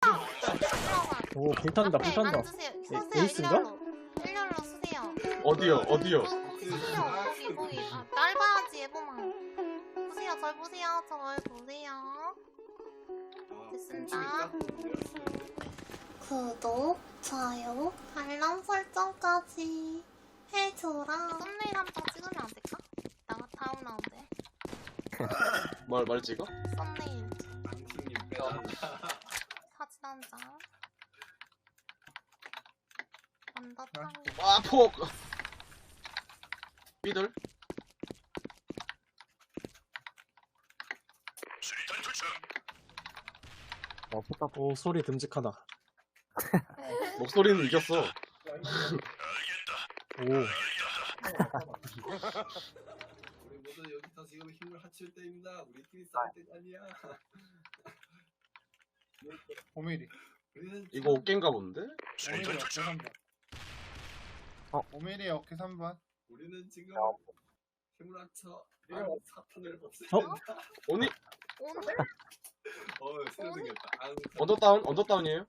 오 불탄다 앞에 불탄다. 앉으세요. 서세요. 에이스인가? 일렬로 쓰세요. 어디요? 쓰세요. 거기. 아, 날 봐야지 예보만. 보세요. 절 보세요. 절 보세요. 됐습니다. 구독, 좋아요, 알람 설정까지 해줘라. 썸네일 한 장 찍으면 안 될까? 나가 다음 라운드에. 뭘 찍어? 썸네일 사진 한 장. 언더탕. 아, 폭! 삐들? 오 소리 듬직하다. 목소리는 이겼어. 오 우리 모두 여기서 지금 힘을 합칠 때입니다. 우리끼리 싸울 때가 아니야. 5mm. 우리는 이거 어깨인가 본데? 5mm 어깨 3번. 5mm 어깨 3번. 우리는 지금 힘을 합쳐 사탄을 없애야 어? 된다. 오니? 오늘? 새로 생겼다. 언더다운이에요?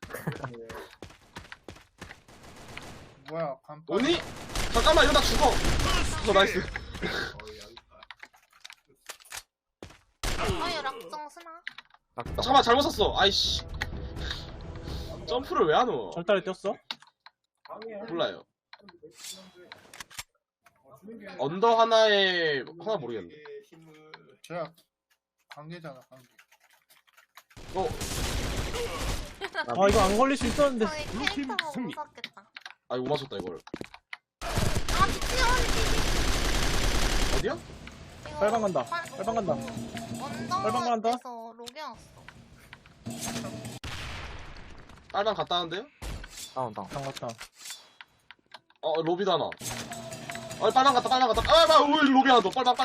뭐야 간판. 오니? 잠깐만, 이러다 죽어! 나이스. 어이 락정 스나. 잠깐만, 잘못 샀어. 아이씨. 점프를 왜 안 오? 철다리 뛰었어? 몰라요. 언더 하나에, 하나 모르겠는데. 힘을 제가 관계잖아 관계. 아 이거 안 걸릴 수 있었는데. 저희 캐릭터가 무섭겠다. 아, 이거 못 맞췄다, 이걸. 아 미치겠어. 어디야? 빨방 간다. 빨방 간다. 빨방 간다. 언더에서 로게왔어. 빨방 갔다 왔는데요? 반갑다. 로비도 하나. 빨방 갔다. 왜 로비 하나 더. 빨방.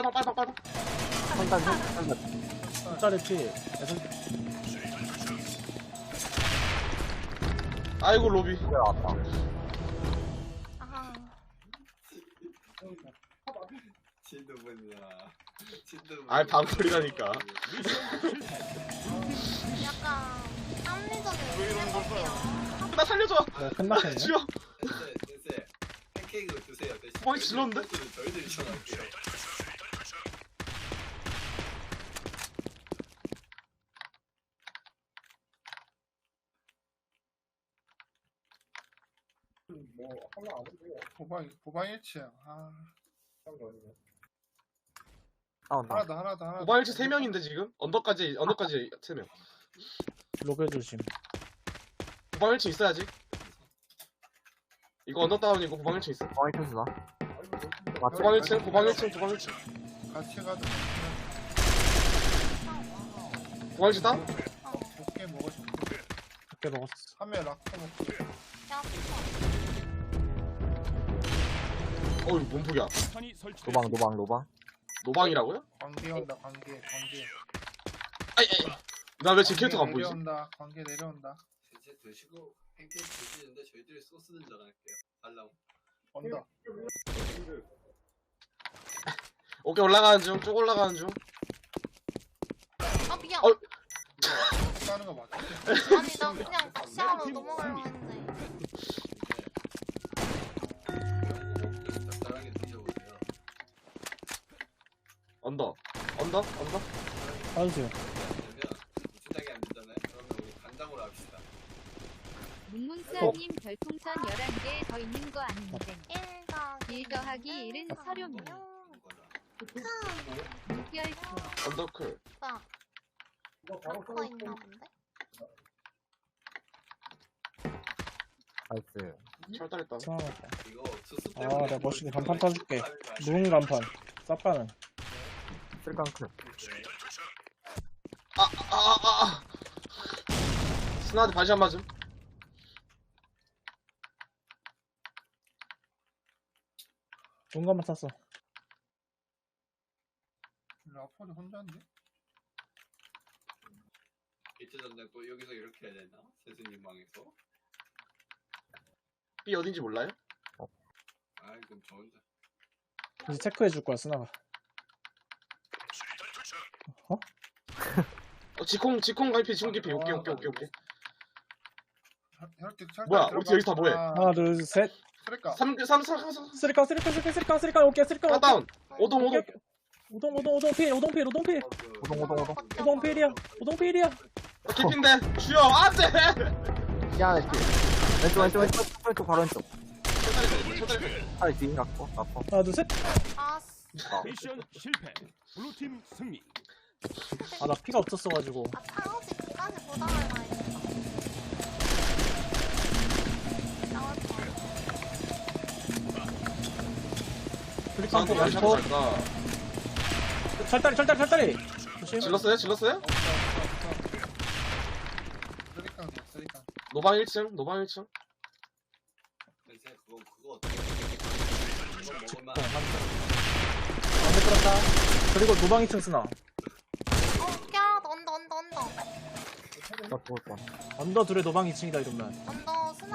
철다리 피. 아이고, 로비. 아 진드분이야. 아이, 방풀이라니까. 약간 합리적인 해볼게요. 나 살려줘! 끝났겠네. 지워! 센세 팬케이크를 드세요. 대신 거의 질렀는데? 저희들이 전할게요. 보방 1층. 아 나온다. 하나 더. 오바일치 3명인데, 지금? 언더까지 3명. 로베 조심. 구방 1층 있어야지. 이거 언더다운이고 구방 1층 있어. 어이 터지나? 구방 1층. 같이 가자. 구방 1층 다운? 좋게 먹어 좋게. 몇개 먹었어. 한명 락커 먹고. 야 이거 뭔 폭이야? 노방. 노방이라고요? 관계 온다 관계. 아이. 나 왜 제 캐릭터가 안 보이지? 내려온다. 관계 내려온다. 이제 드시고 팬케이크 드시는데 저희들이 소스는 전할게요. 달라고. 온다. 오케이, 올라가는 중. 쭉 올라가는 중. 아 미안. 까는 거 맞지? 아니 나 그냥 시야로 넘어가려고 했는데. 적당하게 드셔보세요. 언더. 빠지세요. 그러면 무진하게 안 되잖아요. 그러면 우리 간장으로 합시다. 문문사님 별풍선 11개 더 있는 거 아닌데 1 더하기 1은 서류입니다. 무결표 언더클. 나 락커 있나 본데? 나이스. 철다했다. 승하겠다. 이거 수수 아 내가 멋있게 간판 타줄게. 무릉 간판. 쌉가는. 쓸강클. 스나한테 다시 한 맞음. 좋은 것만 탔어. 라포도 혼자인데? 이틀 전에 또 여기서 이렇게 해야 되나? 세수님 방에서? B 어딘지 몰라요? 아이 그럼 저 혼자. 이제 체크해줄 거야 스나가. 지콩 갈피, 지콩 깊이. 오케이. 혈틱 철. 뭐야, 어떻게 여기 다 뭐해? 하나, 둘, 셋. 그러니까 3 쓰리깡, 오케이, 쓰리깡. 하나 다운. 오동. 오동 필. 오동. 오동 필이야. 개핀데 주여 안돼. 시야네 필. 왼쪽 바로 왼쪽. 팔 뒤에 갖고. 하나, 둘, 셋. 아스. 미션 실패. 블루팀 승리. 아, 나 피가 없었어가지고. 아, 창호지 기까지 못 알아야 했다. 나올 거야. 쓰리깡 포, 잘 왼쪽. 까 철다리. 조심. 질렀어요? 쓰리깡 쓰리깡. 노방 1층. 근데 그거 어떻게 이거 먹을만 안돼 끌었다. 그리고 노방 2층 쓰나. 야, 언더. 나 죽을 뻔. 언더 둘에 노방 2층이다 이러면. 언더 스나.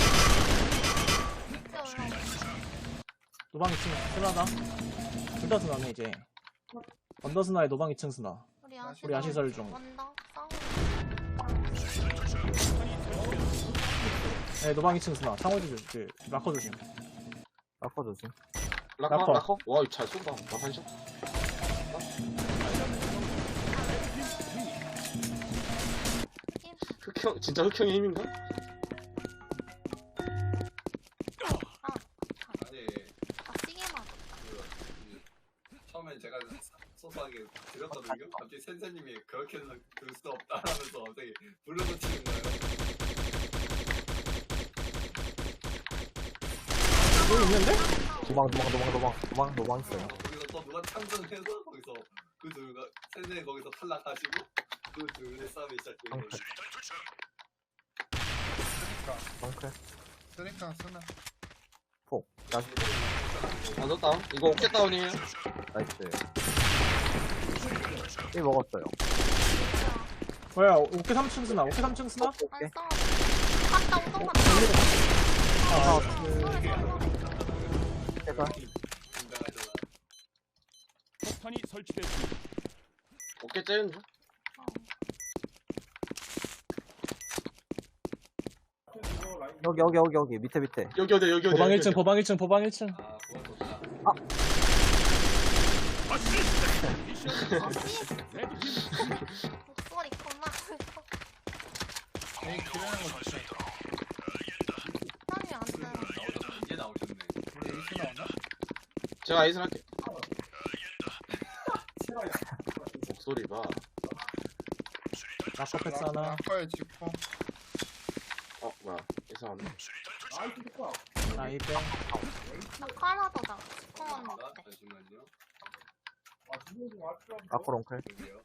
밑에 올라오고. 노방 2층 쓰나다. 둘 다 쓰나네 이제. 언더 쓰나에 노방 2층 쓰나. 우리 아시설 중. 언더 싸우. 네, 노방 2층 쓰나. 창호지 그 라커 조심. 라커 조심. 라커. 와, 잘 쏜다. 나 반샷. 흑형 진짜 흑형의 힘인가? 아니 아, 시계만. 처음엔 제가 소소하게 드렸거든요. 갑자기 센세님이 그렇게 해서 들 수 없다라면서 갑자기 불러붙이는 거예요. 여기 있는데? 도망 있어요. 거기서 또 누가 참전해서 거기서 그 둘과 센세 거기서 탈락하시고 그 둘의 싸움이 시작돼요. 덩크. 쓰리깡 쓰나. 폭. 나이스. 완전 다운. 이거 어깨 다운이에요. 이 먹었어요. 뭐야, 오케 3층 쓰나? 오케 3층 쓰나? 안 싸워. 갔다, 오동 갔다. 아, 해가. 긴장하잖아. 폭탄이 설치됐습니다. 어깨 째는 중. 여기 밑에. 여기 어디. 보방 1층. 아 그건 좋다. 목소리 겁나 커. 에이 기르는 거 좋지. 사람이 안 돼. 이제 나오셨네. 우리 에이스 나왔나? 제가 아이스 할게. 목소리 봐. 라커 패스 하나. 라커에 직포. 뭐야. 이상하네. 나이베. 나 카나다다. 시커먼 거. 잠시만요. 라커 롱클. 여기요.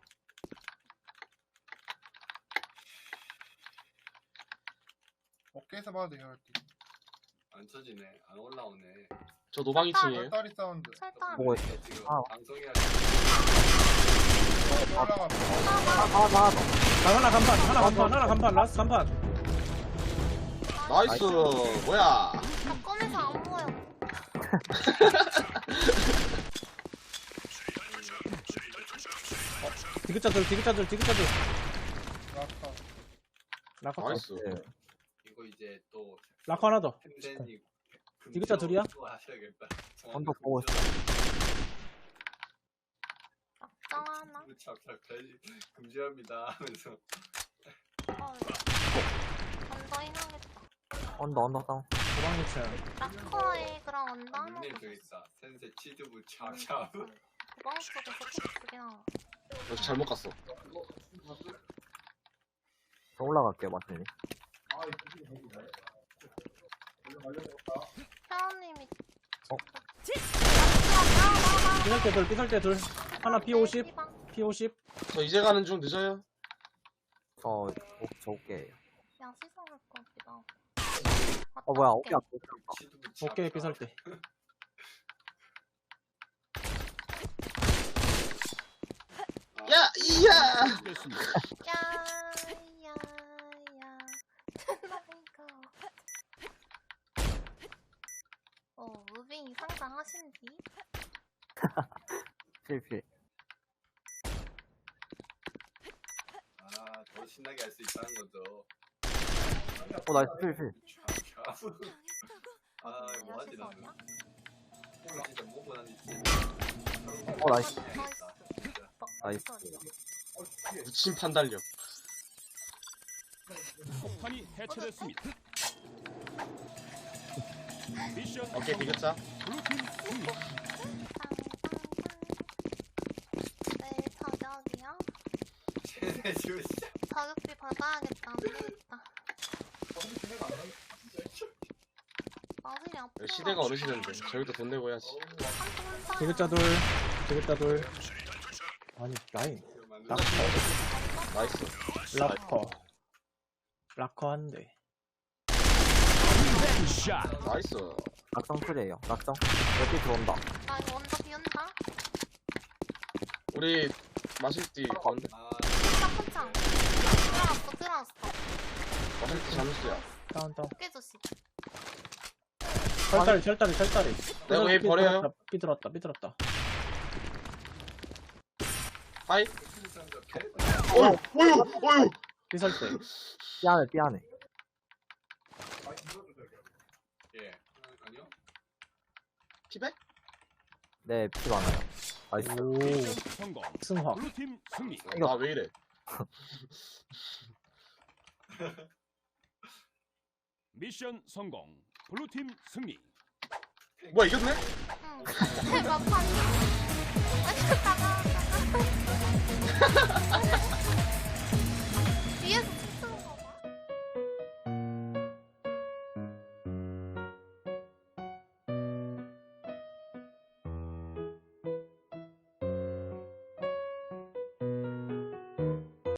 어깨에서 봐도 돼요 혈틱. 안 쳐지네. 안 올라오네. 저 노방 2층이에요. 딸이 사운드. 철단. 보고 있어. 지금 아. 방송해야 올라가. 하나 간판, 라스트 간판. 나이스. 뭐야. 나 꺼내서 안 보여. 디귿자들. 라커. 라커. 나이스. 이거 이제 또 라커 하나 더. 템센이 디귿자 둘이야? 하셔야겠다. 언더 보고 있어. 짱 하나. 참 금지합니다 하면서 언더 해야겠다. 언더 다운. 도방 1층. 라커에 그럼 언더 하나. 닉네임 저기 있다. 센세 치즈부 찹찹. 도방 속에서 킥 나와. 역시 잘못 갔어. 저 올라갈게요 마틴님. 회원님이. 어? 삐설 때 둘. 하나 P50. P50. 저 이제 가는 중 늦어요. 저 올게요. 야, 시선할 거 같기도 뭐야 어깨 앞에. 치즈부 찹찹. 오케이, 삐설 때. 야, 이야. 됐습니다. 야야야. 무빙 상상하신디? 필. 더 신나게 할 수 있다는 거죠. 나이스 필. 아 이거 뭐하지 나는. 이거 진짜 뭐고 난 진짜. 나이스. 나이스. 미친 판단력. 폭탄이 해체됐습니다. 미션 오케이, 비겼자. 블루팀 승리. 내일 저녁이야? 쟤네 지금 진짜. 자격비 받아야겠다. 안 되겠다. 마술이 아프다. 시대가 어느 시대인데. 저기도 돈 내고 해야지. 디귿자 둘. 디귿자 둘. 아니 라인. 락커. 나이스. 락커 한 대. 샷. 나이스. 낙성 풀이에요. 낙성. 여기 들어온다. 나 이거 먼저 비운다. 우리 마실띠 가운데? 아 짝짝짝. 들어왔어. 마실띠 잠수야. 다운. 깨조씨. 철다리. 내가 왜 버려요? 삐들었다. 하이. 사람들 개. 어휴. 삐설대. 삐안해. 예. 아니요. 피백? 네, 피 많아요. 나이스. 오. 미션 성공. 승화. 블루팀 승리. 아, 왜 이래? 미션 성공. 블루팀 승리. 뭐야, 이겼네? 응. 대박. 아니, 나가.